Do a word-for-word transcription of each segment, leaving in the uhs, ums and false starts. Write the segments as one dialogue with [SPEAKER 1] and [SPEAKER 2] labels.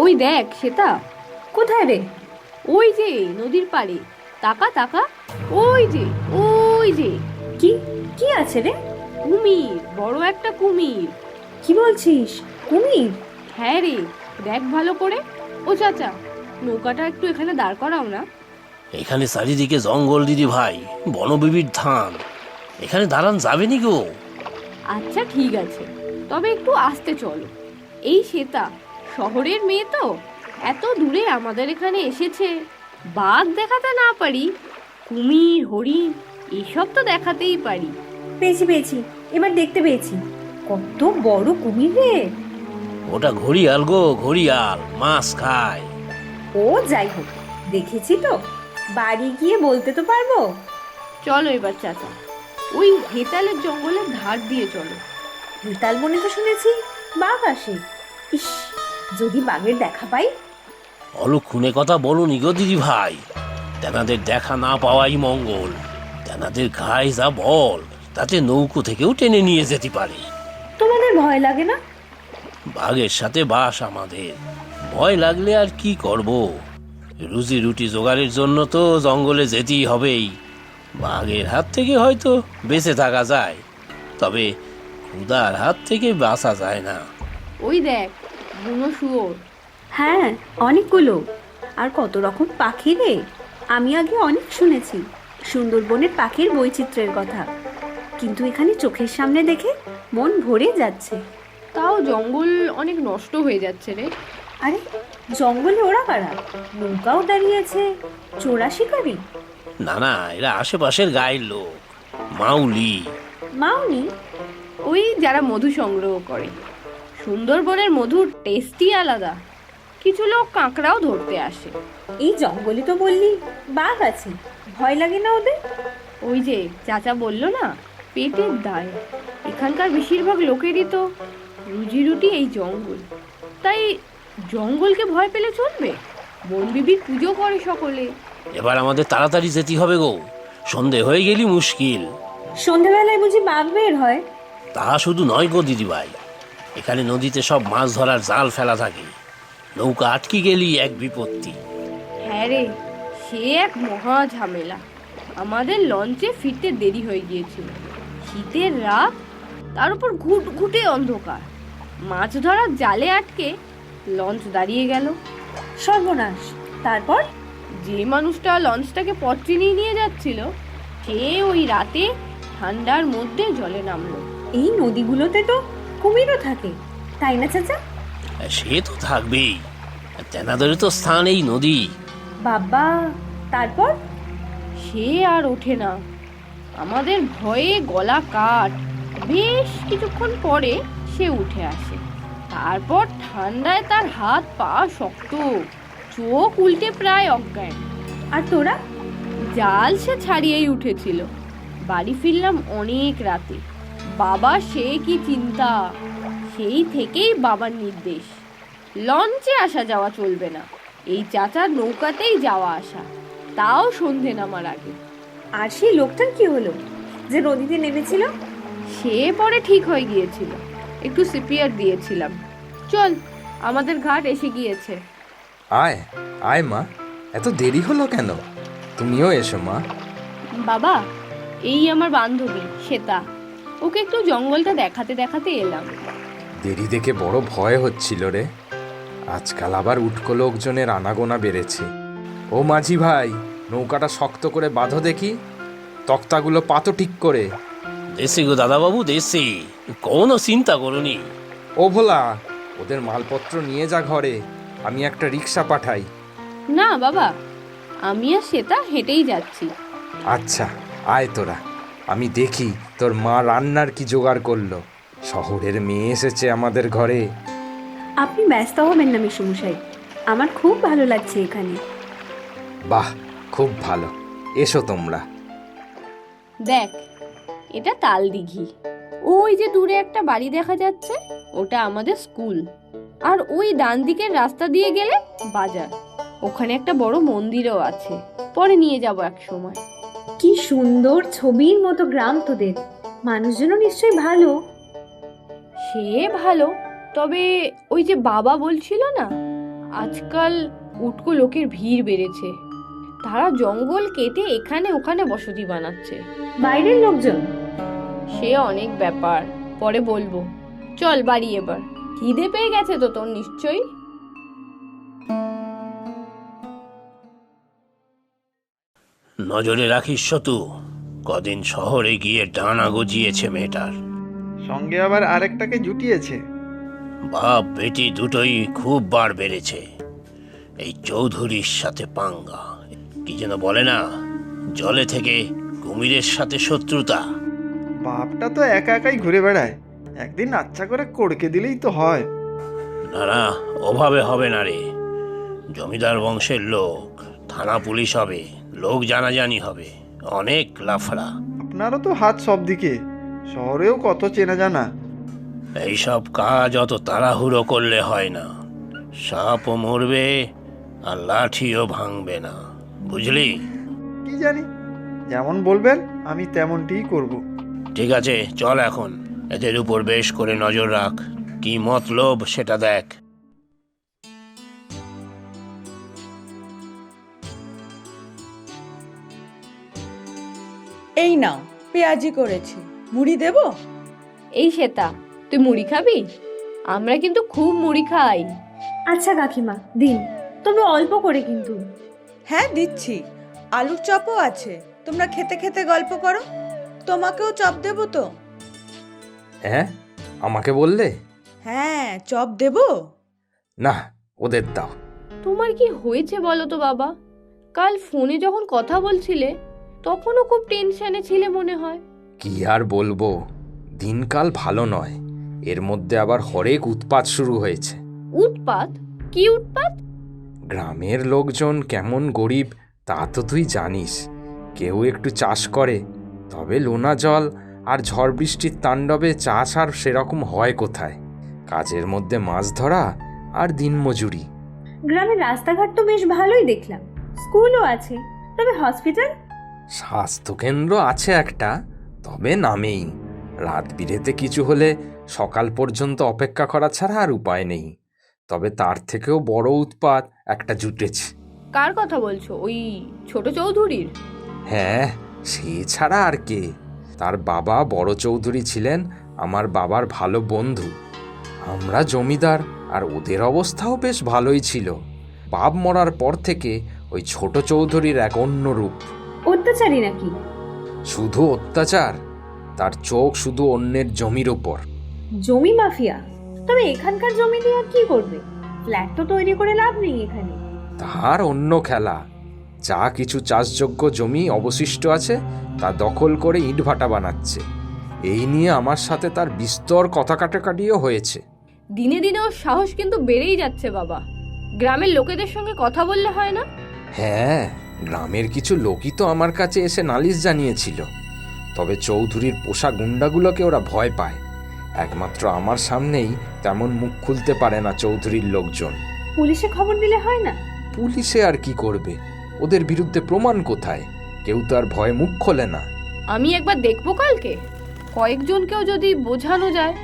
[SPEAKER 1] ওই দেখ সেটা।
[SPEAKER 2] কোথায় রে?
[SPEAKER 1] ওই যে নদীর পাড়ে, তাকা তাকা, ওই যে, ওই যে।
[SPEAKER 2] কি কি আছে রে?
[SPEAKER 1] কুমির, বড় একটা কুমির।
[SPEAKER 2] কি বলছিস? কুমির?
[SPEAKER 1] হ্যাঁ রে, দেখ ভালো করে। ও চাচা, নৌকাটা একটু এখানে দাঁড় করাও না।
[SPEAKER 3] এখানে চারিদিকে জঙ্গল দিদি ভাই, বনবিবির ধান, এখানে দাঁড়ান যাবে নি গো।
[SPEAKER 1] আচ্ছা ঠিক আছে, তবে একটু আস্তে চলো। এই শ্বেতা শহরের মেয়ে তো, এত দূরে আমাদের এখানে এসেছে। বাঘ দেখাতে না পারি, কুমির হরিণ এসব তো দেখাতেই পারি।
[SPEAKER 2] পেয়েছি পেয়েছি, এবার দেখতে পেয়েছি। কত বড় কুমির রে!
[SPEAKER 3] ওটা ঘড়িয়াল গো, ঘড়িয়াল মাছ খায়।
[SPEAKER 2] ও যাই হোক, দেখেছি তো, বাড়ি গিয়ে বলতে তো পারবো।
[SPEAKER 1] চলো এবার চাচা, ওই হেতালের জঙ্গলের ধার দিয়ে চলো।
[SPEAKER 2] হেতাল বনে তো শুনেছি বাঘ আসে। ইস, যদি বাঘের দেখা পাই।
[SPEAKER 3] অলক্ষণে কথা বলো নি গো দিদি ভাই, তেনাদের দেখা না পাওয়াই মঙ্গল। তেনাদের ঘায়ে যা বল, তাতে নৌকো থেকেও টেনে নিয়ে যেতে পারে।
[SPEAKER 2] তোমাদের ভয় লাগে না?
[SPEAKER 3] বাঘের সাথে বাস আমাদের, ভয় লাগলে আর কি করব? রুজি রুটি জোগাড়ের জন্য তো জঙ্গলে যেতেই হবেই। বাঘের হাত থেকে হয়তো বেঁচে থাকা যায়, তবে ক্ষুধার হাত থেকে বাঁচা যায় না।
[SPEAKER 1] ওই দেখ, বুনো শুয়োর।
[SPEAKER 2] হ্যাঁ, অনেকগুলো। আর কত রকম পাখি রে! আমি আগে অনেক শুনেছি সুন্দরবনের পাখির বৈচিত্র্যের কথা, কিন্তু এখানে চোখের সামনে দেখে মন ভরে যাচ্ছে।
[SPEAKER 1] তাও জঙ্গল অনেক নষ্ট হয়ে যাচ্ছে রে।
[SPEAKER 2] আরে, জঙ্গলে ওরা কারা? নৌকাও দাঁড়িয়েছে, চোরা শিকারি?
[SPEAKER 3] না না, এরা আশেপাশের গায়ের লোক, মাউলি।
[SPEAKER 2] মাউনি?
[SPEAKER 1] ওই যারা মধু সংগ্রহ করে। সুন্দরবনের মধুর টেস্টই আলাদা। কিছু লোক কাঁকড়াও ধরতে আসে।
[SPEAKER 2] এই জঙ্গলে তো বললি বাঘ আছে, ভয় লাগে না ওদের?
[SPEAKER 1] ওই যে চাচা বললো না, পেটের দায়। এখানকার বেশিরভাগ লোকেরই তো রুজি রুটি এই জঙ্গল, তাই জঙ্গলকে ভয় পেলে চলবে? বনবিবির পুজো করে সকলে।
[SPEAKER 3] এবার আমাদের তাড়াতাড়ি যেতে হবে গো, সন্ধে হয়ে গেলি মুশকিল।
[SPEAKER 2] সন্ধ্যাবেলায় বুঝি বাঘ বের হয়?
[SPEAKER 3] তা শুধু নয় গো দিদিভাই, এখানে নদীতে সব মাছ ধরার জাল ফেলা থাকে, নৌকা আটকে গেলি এক বিপত্তি।
[SPEAKER 1] হ্যাঁ রে, সে এক মহা ঝামেলা। আমাদের লঞ্চে ফিরতে দেরি হয়ে গিয়েছিল। শীতের রাত, তার উপর ঘুট ঘুটে অন্ধকার। মাছ ধরার জালে আটকে লঞ্চ দাঁড়িয়ে গেল।
[SPEAKER 2] সর্বনাশ! তারপর?
[SPEAKER 1] যে মানুষটা লঞ্চটাকে পথ চিনিয়ে নিয়ে যাচ্ছিল, সে ওই রাতে ঠান্ডার মধ্যে জলে নামলো।
[SPEAKER 2] এই নদীগুলোতে তো কুমিরও থাকে, তাই না চাচা?
[SPEAKER 3] সে তো থাকবেই, তেনাদের তো স্থান এই নদী।
[SPEAKER 2] বাবা, তারপর?
[SPEAKER 1] সে আর ওঠে না। আমাদের ভয়ে গলা কাট। বেশ কিছুক্ষণ পরে সে উঠে আসে। তারপর ঠান্ডায় তার হাত পা শক্ত, চোখ উল্টে প্রায় অজ্ঞান।
[SPEAKER 2] আর তোরা?
[SPEAKER 1] জাল সে ছাড়িয়েই উঠেছিল। বাড়ি ফিরলাম অনেক রাতে। বাবা সে কি চিন্তা! সেই থেকেই বাবার নির্দেশ, লঞ্চে আসা যাওয়া চলবে না, এই চাচার নৌকাতেই যাওয়া আসা, তাও সন্ধে নামার আগে।
[SPEAKER 2] আর সেই লোকটার কি হলো যে নদীতে নেমেছিল?
[SPEAKER 1] সে পরে ঠিক হয়ে গিয়েছিল, একটু সিপিআর দিয়েছিলাম। চল, আমাদের ঘাট এসে গিয়েছে।
[SPEAKER 4] আয় আয় মা, এত দেরি হলো কেন? তুমিও এসো মা।
[SPEAKER 1] বাবা, এই আমার বান্ধবী শ্বেতা, ওকে একটু জঙ্গলটা দেখাতে দেখাতে এলাম।
[SPEAKER 4] দেরি দেখে বড় ভয় হচ্ছিল রে। আজকাল আবার উটকো লোকজনের আনাগোনা বেড়েছে। ও মাঝি ভাই, নৌকাটা শক্ত করে বাঁধো দেখি, তক্তাগুলো পাতো ঠিক করে।
[SPEAKER 3] দেশে গো দাদাবাবু, দেশে, কোনো চিন্তা করনি।
[SPEAKER 4] ও ভোলা, ওদের মালপত্র নিয়ে যা ঘরে, আমি একটা রিক্সা পাঠাই।
[SPEAKER 1] না বাবা, আমি আর শ্বেতা হেঁটেই যাচ্ছি।
[SPEAKER 4] আচ্ছা, আয় তোরা, আমি দেখি তোর মা রান্নার কি জোগাড় করলো। শহরের মেয়ে এসেছে আমাদের ঘরে।
[SPEAKER 2] আপনি ব্যস্ত হবেন না মেসোমশাই, আমার খুব ভালো লাগছে এখানে।
[SPEAKER 4] বাহ, খুব ভালো, এসো তোমরা।
[SPEAKER 1] দেখ, এটা তাল দিঘি। ওই যে দূরে একটা বাড়ি দেখা যাচ্ছে, ওটা আমাদের স্কুল। আর ওই ডান দিকের রাস্তা দিয়ে গেলে বাজার। ওখানে একটা বড় মন্দিরও আছে, পরে নিয়ে যাব এক সময়।
[SPEAKER 2] কি সুন্দর ছবির মতো গ্রাম তোদের, মানুষজনও নিশ্চয়ই ভালো।
[SPEAKER 1] সে ভালো, তবে ওই যে বাবা বলছিল না, আজকাল উটকো লোকের ভিড় বেড়েছে, তারা জঙ্গল কেটে এখানে ওখানে বসতি বানাচ্ছে।
[SPEAKER 2] বাইরের লোকজন?
[SPEAKER 1] সে অনেক ব্যাপার, পরে বলবো। চল বাড়ি এবার, খিদে পেয়ে গেছে তো তোর নিশ্চয়ই।
[SPEAKER 3] নজরে রাখিস শতু, কদিন শহরে গিয়ে ডানা গজিয়েছে মেয়েটার।
[SPEAKER 5] সঙ্গে আবার আরেকটাকে জুটিয়েছে।
[SPEAKER 3] বাপ বেটি দুটোই খুব বার বেড়েছে। এই চৌধুরীর সাথে পাঙ্গা, কি যেন বলে না, জলে থেকে কুমিরের সাথে শত্রুতা।
[SPEAKER 5] বাপটা তো একা একাই ঘুরে বেড়ায়, একদিন আচ্ছা করে কড়কে দিলেই তো হয়।
[SPEAKER 3] না না, ওভাবে হবে না রে। জমিদার বংশের লোক, থানা পুলিশ হবে, লোক জানাজানি হবে, অনেক লাফড়া।
[SPEAKER 5] আপনারও তো হাত সব দিকে, শহরেও কত চেনা জানা।
[SPEAKER 3] এইসব কাজ অত তাড়াহুড়ো করলে হয় না। সাপও মরবে আর লাঠিও ভাঙবে না, বুঝলি?
[SPEAKER 5] কি জানি, যেমন বলবেন আমি তেমনটিই করব।
[SPEAKER 3] ঠিক আছে, চল এখন। এদের উপর বেশ করে নজর রাখ, কি মতলব সেটা দেখ।
[SPEAKER 6] এই নাও, পেঁয়াজি করেছি, মুড়ি দেবো?
[SPEAKER 1] এই শ্বেতা, তুই মুড়ি খাবি? আমরা কিন্তু খুব মুড়ি খাই।
[SPEAKER 2] আচ্ছা কাকিমা দিন, তবে অল্প করে কিন্তু।
[SPEAKER 6] হ্যাঁ দিচ্ছি, আলুর চপও আছে, তোমরা খেতে খেতে গল্প করো। তোমাকেও চপ দেবো তো?
[SPEAKER 4] হ্যাঁ, আমাকে বললে?
[SPEAKER 6] হ্যাঁ, চপ দেবো।
[SPEAKER 4] না, ওদের দাও।
[SPEAKER 1] তোমার কি হয়েছে বলো তো বাবা? কাল ফোনে যখন কথা বলছিলে তখনও খুব টেনশনে ছিলে মনে হয়।
[SPEAKER 4] কি আর বলবো, দিনকাল ভালো নয়, এর মধ্যে আবার হরেক উৎপাত শুরু হয়েছে।
[SPEAKER 1] উৎপাত? কি উৎপাত?
[SPEAKER 4] গ্রামের লোকজন কেমন গরিব তা তো তুই জানিস। কেউ একটু চাষ করে, তবে লোনা জল আর ঝড় বৃষ্টির তাণ্ডবে চাষ আর সেরকম হয় কোথায়? কাজের মধ্যে মাছ ধরা আর দিনমজুরি।
[SPEAKER 2] গ্রামের রাস্তাঘাট তো বেশ ভালোই দেখলাম, স্কুলও আছে, তবে হসপিটাল?
[SPEAKER 4] স্বাস্থ্যকেন্দ্র আছে একটা, তবে নামেই। রাত বিরেতে কিছু হলে সকাল পর্যন্ত অপেক্ষা করা ছাড়া আর উপায় নেই। তবে তার থেকেও বড় উৎপাত একটা জুটেছে।
[SPEAKER 1] কার কথা বলছো? ওই ছোট চৌধুরীর?
[SPEAKER 4] হ্যাঁ, সে ছাড়া আর কে? তার বাবা বড় চৌধুরী ছিলেন আমার বাবার ভালো বন্ধু। আমরা জমিদার, আর ওদের অবস্থাও বেশ ভালোই ছিল। বাপ মরার পর থেকে ওই ছোট চৌধুরীর এক অন্য রূপ।
[SPEAKER 2] অত্যাচারী নাকি?
[SPEAKER 4] শুধু অত্যাচার, তার চোখ শুধু অন্যের জমির ওপর।
[SPEAKER 2] জমি মাফিয়া? তবে এখানকার জমি দিয়ে আর কি করবে? ফ্ল্যাট তো তৈরি করে লাভ নেই এখানে।
[SPEAKER 4] তার অন্য খেলা। যা কিছু চাষযোগ্য জমি অবশিষ্ট আছে তা দখল করে ইটভাটা বানাচ্ছে। এই নিয়ে আমার সাথে তার বিস্তর কথা কাটাকাটিও হয়েছে।
[SPEAKER 1] দিনে দিনে ওর সাহস কিন্তু বেড়েই যাচ্ছে বাবা। গ্রামের লোকেদের সঙ্গে কথা বললে হয় না?
[SPEAKER 4] হ্যাঁ, গ্রামের কিছু লোকই তো আমার কাছে এসে নালিশ জানিয়েছিল। তবে চৌধুরীর পোষা গুন্ডাগুলোকে ওরা ভয় পায়। একমাত্র আমার সামনেই তেমন মুখ খুলতে পারে না চৌধুরীর লোকজন।
[SPEAKER 2] পুলিশে খবর দিলে হয় না?
[SPEAKER 4] পুলিশে আর কি করবে? ওদের বিরুদ্ধে প্রমাণ কোথায়? কেউ তো আর ভয়ে মুখ খোলে না।
[SPEAKER 1] আমি একবার দেখবো কালকে, কয়েকজনকেও যদি বোঝানো যায়।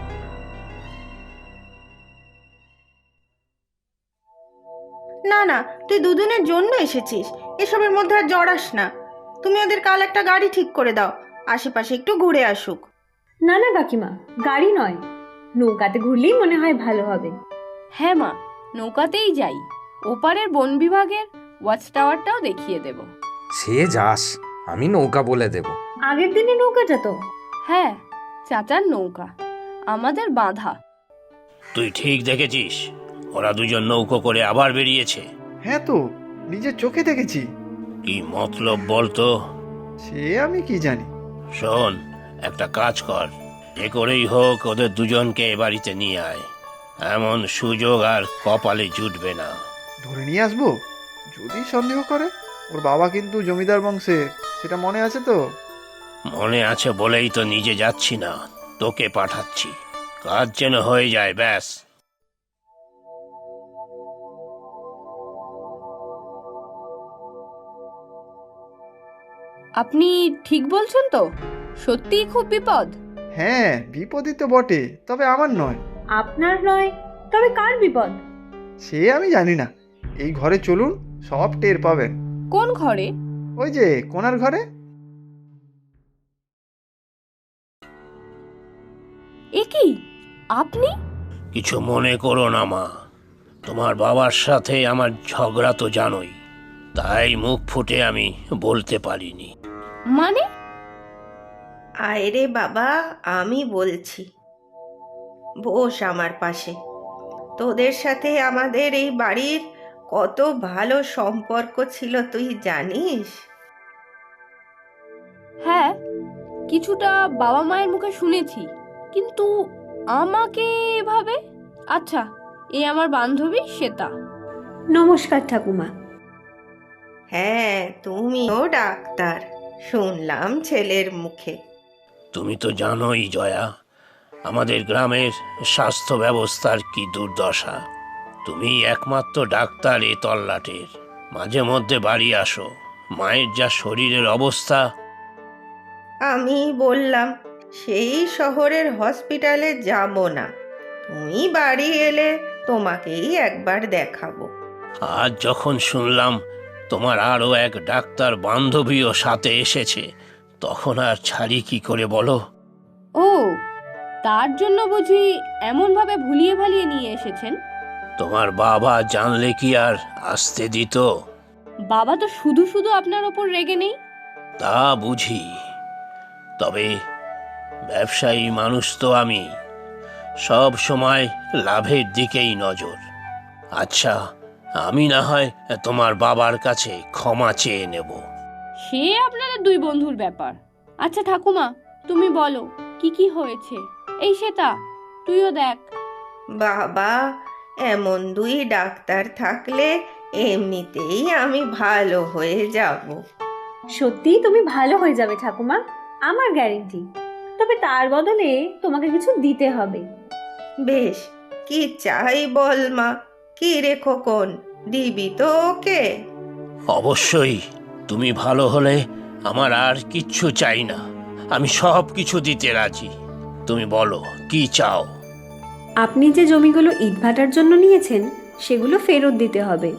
[SPEAKER 7] না না, তুই দুদিনের জন্য এসেছিস, এসবের মধ্যে আর জড়াস না। তুমি ওদের কাল একটা গাড়ি ঠিক করে দাও, আশেপাশে একটু ঘুরে আসুক।
[SPEAKER 2] না না কাকিমা, গাড়ি নয়, নৌকাতে ঘুরলেই মনে হয় ভালো হবে।
[SPEAKER 1] হ্যাঁ মা, নৌকাতেই যাই, ওপারের বন বিভাগের ওয়াচ টাওয়ারটাও দেখিয়ে দেব।
[SPEAKER 4] সে যাস, আমি নৌকা বলে দেব।
[SPEAKER 2] আগের দিনে নৌকাটা তো?
[SPEAKER 1] হ্যাঁ, চাচার নৌকা, আমাদের বাঁধা।
[SPEAKER 3] তুই ঠিক দেখেছিস, ওরা দুজন নৌকো করে আবার বেরিয়েছে।
[SPEAKER 5] হ্যাঁ তো, নিজের চোখে দেখেছি।
[SPEAKER 3] কি মতলব বলতো?
[SPEAKER 5] সে আমি কি জানি।
[SPEAKER 3] শোন, একটা কাজ কর, যে করেই হোক ওদের দুজনকে এ বাড়িতে নিয়ে আয়। এমন সুযোগ আর কপালে জুটবে না।
[SPEAKER 5] ধরে নিয়ে আসবো? যদি সন্দেহ করে, ওর বাবা কিন্তু জমিদার বংশের, সেটা মনে আছে তো?
[SPEAKER 3] মনে আছে বলেই তো নিজে যাচ্ছি না, তোকে পাঠাচ্ছি। কাজ যেন হয়ে যায়, ব্যাস।
[SPEAKER 1] আপনি ঠিক বলছেন তো? সত্যিই খুব বিপদ?
[SPEAKER 5] হ্যাঁ, বিপদই তো বটে, তবে আমার নয়।
[SPEAKER 2] আপনার নয়, তবে কার বিপদ?
[SPEAKER 5] সে আমি জানি না, এই ঘরে চলুন, সব টের পাবেন।
[SPEAKER 1] কোন ঘরে?
[SPEAKER 5] ওই যে কোনার ঘরে।
[SPEAKER 1] এ কি আপনি?
[SPEAKER 3] কিছু মনে করো না মা, তোমার বাবার সাথে আমার ঝগড়া তো জানোই, তাই মুখ ফুটে আমি বলতে পারিনি।
[SPEAKER 1] মানে?
[SPEAKER 7] আয় রে বাবা, আমি বলছি, বস আমার পাশে। তোদের সাথে আমাদের এই বাড়ির কত ভালো সম্পর্ক ছিল তুই জানিস?
[SPEAKER 1] হ্যাঁ, কিছুটা বাবা মায়ের মুখে শুনেছি, কিন্তু আমাকে এভাবে। আচ্ছা, এ আমার বান্ধবী শ্বেতা।
[SPEAKER 2] নমস্কার ঠাকুমা।
[SPEAKER 7] হ্যাঁ, তুমিও ডাক্তার শুনলাম ছেলের মুখে।
[SPEAKER 3] তুমি তো জানোই জয়া, আমাদের গ্রামের স্বাস্থ্য ব্যবস্থার কি দুর্দশা। তুমি একমাত্র ডাক্তার এ তল্লাটের, মাঝে মধ্যে বাড়ি আসো। মায়ের যা শরীরের অবস্থা।
[SPEAKER 7] আমি বললাম সেই শহরের হসপিটালে যাব না, তুমি বাড়ি এলে তোমাকেই একবার দেখাবো।
[SPEAKER 3] আজ যখন শুনলাম তোমার আরও এক ডাক্তার বান্ধবীও সাথে এসেছে, তখন আর ছাড়ি কি করে বলো?
[SPEAKER 1] ও, তার জন্য বুঝি এমনভাবে ভুলিয়ে ভালিয়ে নিয়ে এসেছেন?
[SPEAKER 3] তোমার বাবা জানলে কি আর আসতে দিত?
[SPEAKER 1] বাবা তো শুধু শুধু আপনার ওপর রেগে নেই।
[SPEAKER 3] তা বুঝি, তবে ব্যবসায়ী মানুষ তো আমি, সব সময় লাভের দিকেই নজর। আচ্ছা, আমি না হয় তোমার বাবার কাছে ক্ষমা চেয়ে নেব।
[SPEAKER 1] সে আপনাদের দুই বন্ধুর ব্যাপার। আচ্ছা ঠাকুমা, তুমি বলো কি কি হয়েছে। এই শ্বেতা, তুইও দেখ।
[SPEAKER 7] বাবা, এমন দুই ডাক্তার থাকলে এমনিতেই আমি ভালো হয়ে যাব।
[SPEAKER 2] সত্যিই তুমি ভালো হয়ে যাবে ঠাকুমা, আমার গ্যারেন্টি। তবে তার বদলে তোমাকে কিছু দিতে হবে।
[SPEAKER 7] বেশ, কি চাই বল মা। কি রে খোকন, দিবি তো ওকে?
[SPEAKER 3] অবশ্যই, তুমি ভালো হলে আমার আর কিচ্ছু চাই না, আমি সব কিছু দিতে রাজি। তুমি বলো কি চাও?
[SPEAKER 2] আপনি যে জমিগুলো ইটভাটার জন্য নিয়েছেন সেগুলো ফেরত দিতে হবে।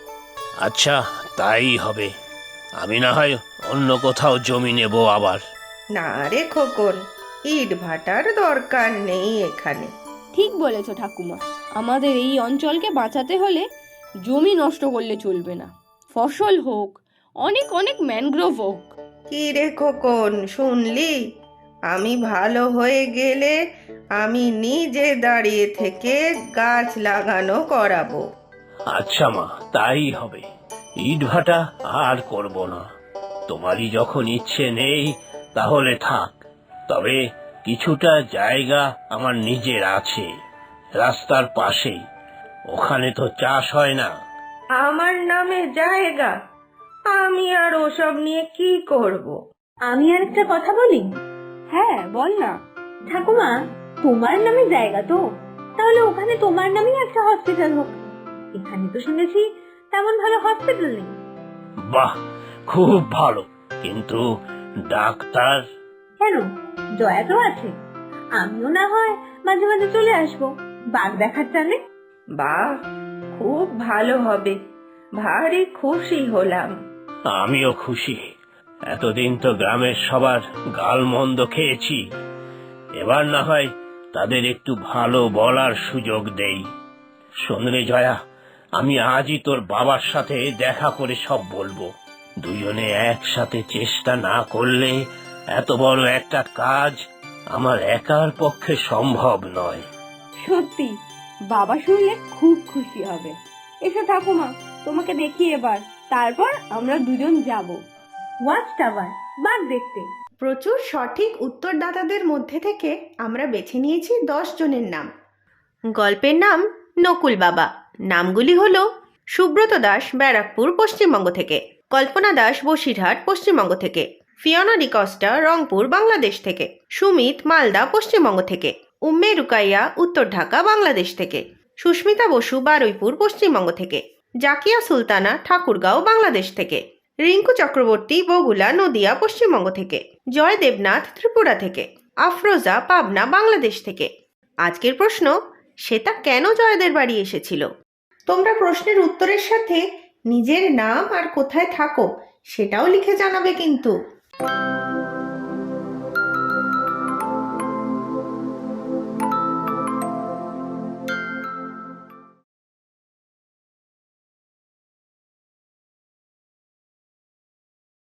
[SPEAKER 3] আচ্ছা, তাই হবে। আমি না হয় অন্য কোথাও জমি নেব আবার।
[SPEAKER 7] না রে খোকন, ইট ভাটার দরকার নেই এখানে।
[SPEAKER 1] ঠিক বলেছ ঠাকুমা, আমাদের এই অঞ্চলকে বাঁচাতে হলে জমি নষ্ট করলে চলবে না। ফসল হোক, অনেক অনেক ম্যানগ্রোভ হোক।
[SPEAKER 7] কি রে খোকন, শুনলি? আমি ভালো হয়ে গেলে আমি নিজে দাঁড়িয়ে থেকে গাছ লাগানো করাবো।
[SPEAKER 3] আচ্ছা মা, তাই হবে। ইট ভাটা আর করব না। তোমারই যখন ইচ্ছে নেই তাহলে থাক। তবে কিছুটা জায়গা আমার নিজের আছে, রাস্তার পাশেই। ওখানে তো চাষ হয় না।
[SPEAKER 7] আমার নামে জায়গা? আমি আর ওসব নিয়ে কি করব?
[SPEAKER 2] আমি আর একটা কথা বলি।
[SPEAKER 1] হ্যাঁ, বল না।
[SPEAKER 2] ঠাকুমা, তোমার নামে জায়গা তো, তাহলে ওখানে তোমার নামেই একটা হসপিটাল হোক। এখানে তো শুনেছি তেমন ভালো হসপিটাল নেই।
[SPEAKER 3] বাহ, খুব ভালো, কিন্তু ডাক্তার?
[SPEAKER 2] কেন, জয়া তো আছে। আমিও না হয় মাঝে মাঝে চলে আসবো বাঘ দেখার টানে।
[SPEAKER 7] বাহ, খুব ভালো হবে, ভারী খুশি হলাম।
[SPEAKER 3] আমিও খুশি। এতদিন তো গ্রামের সবার গালমন্দ খেয়েছি, এবার না হয় তাদের একটু ভালো বলার সুযোগ দেই। শোন রে জয়া, আমি আজই তোর বাবার সাথে দেখা করে সব বলবো। দুজনে একসাথে চেষ্টা না করলে এত বড় একটা কাজ আমার একার পক্ষে সম্ভব নয়।
[SPEAKER 1] সত্যি, বাবা শুনলে খুব খুশি হবে। এসো ঠাকুমা, তোমাকে দেখি এবার, তারপর আমরা দুজন যাব
[SPEAKER 2] ওয়াচ টাওয়ার বাঘ দেখতে।
[SPEAKER 7] প্রচুর সঠিক উত্তরদাতাদের মধ্যে থেকে আমরা বেছে নিয়েছি দশ জনের নাম। গল্পের নাম নকুল বাবা। নামগুলি হলো সুব্রত দাস, ব্যারাকপুর, পশ্চিমবঙ্গ থেকে; কল্পনা দাস, বসিরহাট, পশ্চিমবঙ্গ থেকে; ফিওনা ডিকস্টা, রংপুর, বাংলাদেশ থেকে; সুমিত, মালদা, পশ্চিমবঙ্গ থেকে; উম্মে রুকাইয়া, উত্তর ঢাকা, বাংলাদেশ থেকে; সুস্মিতা বসু, বারুইপুর, পশ্চিমবঙ্গ থেকে; জাকিয়া সুলতানা, ঠাকুরগাঁও, বাংলাদেশ থেকে; রিঙ্কু চক্রবর্তী, বগুলা, নদিয়া, পশ্চিমবঙ্গ থেকে; জয় দেবনাথ, ত্রিপুরা থেকে; আফরোজা, পাবনা, বাংলাদেশ থেকে। আজকের প্রশ্ন, শ্বেতা কেন জয়দের বাড়ি এসেছিল? তোমরা প্রশ্নের উত্তরের সাথে নিজের নাম আর কোথায় থাকো সেটাও লিখে জানাবে কিন্তু।